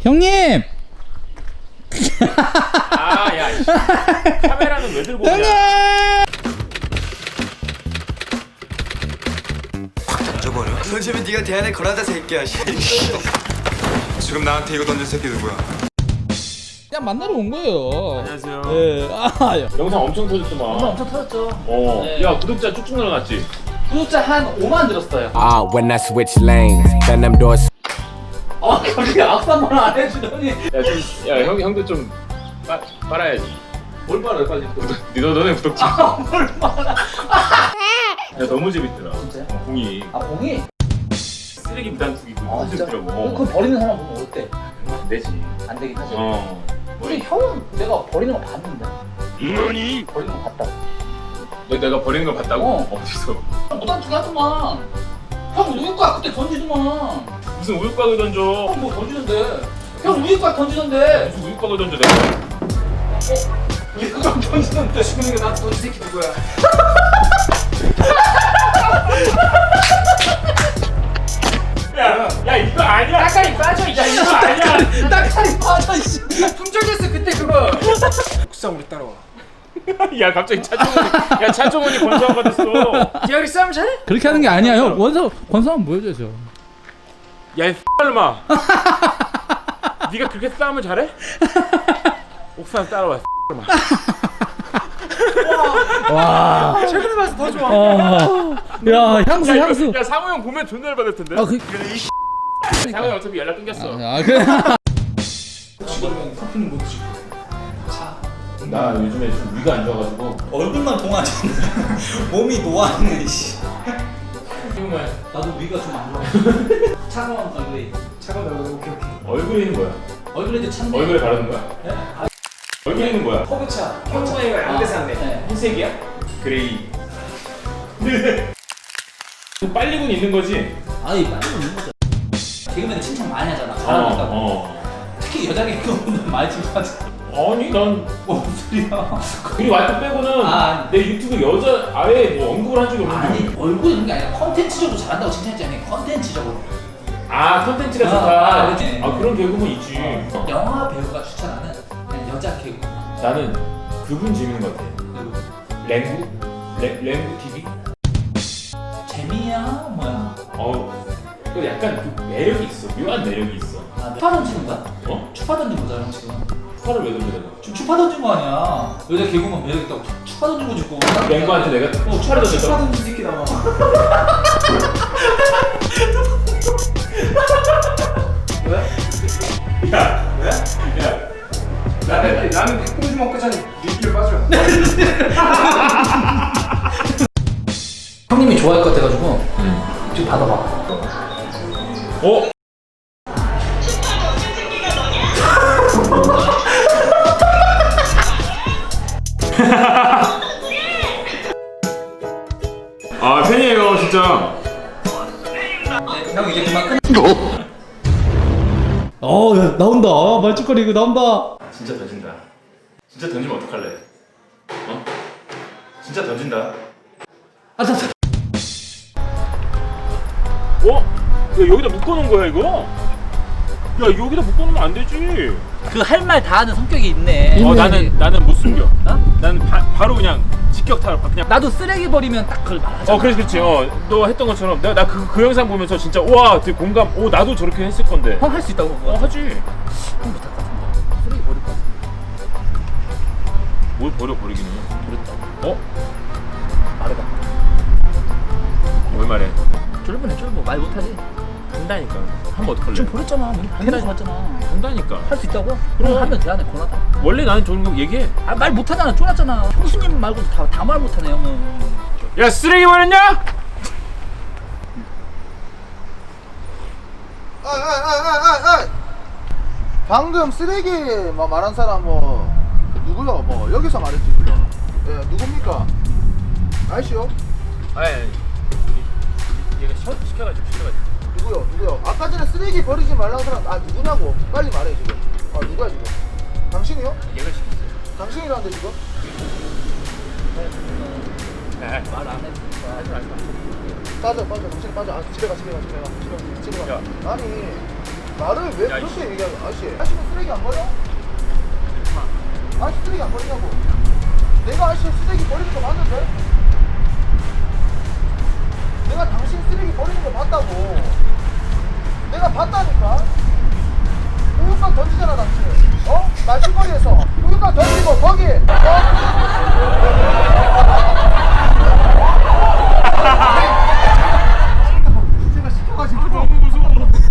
형님! 아야 카메라는 왜 들고 형님! 오냐? 확 던져버려. 던지면 네가 대안에 걸어다 새끼야. 지금 나한테 이거 던진 새끼 누구야? 그냥 만나러 온 거예요. 안녕하세요. 네. 아, 영상 엄청 터졌더만. 영상 엄청 터졌죠. 어. 네. 야 구독자 쭉쭉 늘어났지? 구독자 한 5만 들었어요. When I switch lanes, then them doors. 갑자기 악수 한 번 안 해주더니. 야 형도 좀 빨아야지. 뭘 말해 빨리. 너네 구독자. 뭘 말아. 야 너무 재밌더라. 진짜요? 공이 아 봉이? 쓰레기 무단투기 그거 아 너무 진짜? 재밌더라고. 그거 버리는 사람 보면 어때? 안 되지. 안 되긴 하지. 어. 우리 형은 내가 버리는 거 봤는데. 뭐니? 버리는 거 봤다. 내가 버리는 걸 봤다고? 어. 어디서? 무단투기 하더만. 형 우유곽 그때 던지더만. 무슨 우유곽을 던져? 형 뭐 던지는데? 형 우유곽 던지는데. 무슨 우유곽을 던져 내가? 우유곽 던지는데. 지금 나한테 던진 새끼 누구야? 야 이거 아니야. 따까리 빠져. 야 이거 아니야. 딱다리 빠져 씨. 품절됐어 그때 그거. 옥상 우리 따라와. 야 갑자기 차종원이 권사가 됐어. 기아리 싸움 잘해? 그렇게 하는 게 아니야 형. 권사 한번 보여줘야죠. 야 이 X발놈아. 네가 그렇게 싸움을 잘해? 옥상 따라와 X발놈아. 와. 최근에 봐서 더 좋아. 야 향수. 야 상호 형 보면 존나 열받을 텐데. 아 그. 상호 형 어차피 연락 끊겼어. 아 그래. 커피는 못 드시고. 나 요즘에 좀 위가 안 좋아가지고. 얼굴만 동하지 몸이 노안네 씨. 정말 나도 위가 좀 안 좋아. 차가운 얼굴이. 차가운 얼굴 오케이. 얼굴에 있는 거야. 얼굴에도 찬데. 얼굴에 바르는 거야. 네? 얼굴에 있는 거야. 허브차. 평소에가 양대산네. 네. 흰색이야? 그레이. 빨리군 있는 거지? 아이 빨리 있는 거죠. 개그맨 칭찬 많이 하잖아. 잘하니까. 특히 여자 개그맨은 많이 칭찬하지. 아니 난 뭔 소리야? 이 와이프 빼고는 아. 내 유튜브 여자 아예 뭐 언급을 한 적이 없는데. 아니 얼굴 있는 게 아니라 컨텐츠적으로 잘한다고 칭찬했지 않니? 컨텐츠적으로. 아 컨텐츠가 아, 좋다. 그렇지. 아 그런 개그맨 있지. 영화 배우가 추천하는 그냥 여자 개그. 나는 그분 재밌는 것 같아. 랭구? 랭구 TV? 재미야 뭐야? 그 약간 그 매력이 있어. 묘한 매력이 있어. 아, 추파 던지는 거야? 어? 추파 던진 거잖아 지금. 팔을 왜 돌려 내가? 지금 추파 던진 거 아니야? 여자 개그맨 매력 있다고 추파 던진 거지 고. 랭구한테 내가 추파를 던졌다. 차가운 새끼 나와. 나는 닭봉지 먹고 전에 니끼를 빠져. 형님이 좋아할 것 같아가지고 지금 받아봐. 어? 아 팬이에요 진짜. 형 이제 그만 끊. 야 나온다. 말죽거리 이거 나온다. 진짜 던진다. 진짜 던지면 어떡할래? 어? 진짜 던진다. 아 자. 어? 야 여기다 묶어놓은 거야 이거? 야 여기다 묶어놓으면 안 되지. 그 할 말 다 하는 성격이 있네. 나는 못 숨겨. 어? 나는 바로 그냥 직격타로 그냥. 나도 쓰레기 버리면 딱 그걸 말하잖아. 그렇지. 너 했던 것처럼 내가 그 영상 보면서 진짜 와 되게 공감. 나도 저렇게 했을 건데. 형 할 수 있다고 그거. 하지. 형 못할 것 같은데. 쓰레기 버릴 것 같은데. 뭘 버리기는? 버렸다고. 말해봐. 뭘 말해? 쫄보네 쫄보. 말 못하지. 한다니까. 하면 어떡할래? 지금 버렸잖아. 대놓고 갔잖아. 한다니까. 할 수 있다고? 그럼. 그럼 하면 대안에 권하다. 원래 나는 저런 거 얘기해. 아 말 못하잖아. 쫄았잖아. 형수님 말고 다 말 못하네 형은. 야 쓰레기 버렸냐? 방금 쓰레기 말한 사람 누구요? 여기서 말했지 지금. 예, 누굽니까? 아이씨요? 아니 얘가 시켜가지고. 누구요? 아까 전에 쓰레기 버리지 말라는 사람 누구냐고? 빨리 말해 지금. 누구야 지금? 당신이요? 얘가 시켰어요. 당신이라는데 지금? 말 안 했으니까 하지 말까. 빠져 당신 빠져. 집에 가. 아니 말을 왜 야, 그렇게 얘기하냐 아저씨 아저씨는 쓰레기 안 버려? 아저씨 쓰레기 안 버리냐고 내가 아저씨 쓰레기 버리는 거 봤는데 내가 당신 쓰레기 버리는 거 봤다고 내가 봤다니까 우유곽 던지잖아 당신 어? 말죽거리에서 우유곽 던지고 거기 제가 시켜가지고 너무 무서워.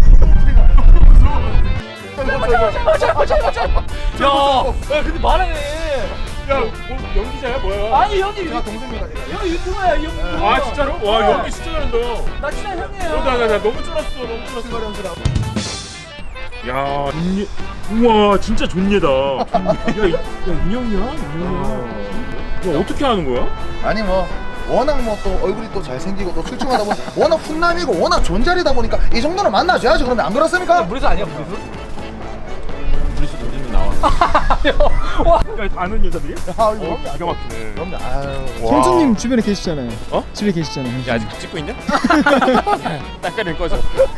야 근데 말해. 야, 뭐 연기자야 뭐야? 아니 형님 제가 동생입니다 제가 형 유튜버야 이 형. 아 진짜로? 와 연기 진짜 잘한다. 나 친한 형이에요. 나 너무 쫄았어. 너무 쫄았어. 야, 우와 진짜 존예다. 인형이야? 야 어떻게 하는 거야? 아니 뭐 워낙 뭐 또 얼굴이 또 잘생기고 또 출중하다 보니 워낙 훈남이고 워낙 존잘이다 보니까 이 정도는 만나줘야지 그러면 안 그렇습니까? 브리스 아니야 브리스? 브리스 던지면 나와. 야 아는 여자들이? 아 이거 기가 막히네. 그럼요 아유 형수님 주변에 계시잖아요. 어? 집에 계시잖아요. 야 아직 찍고 있냐? 딸까리는 꺼져.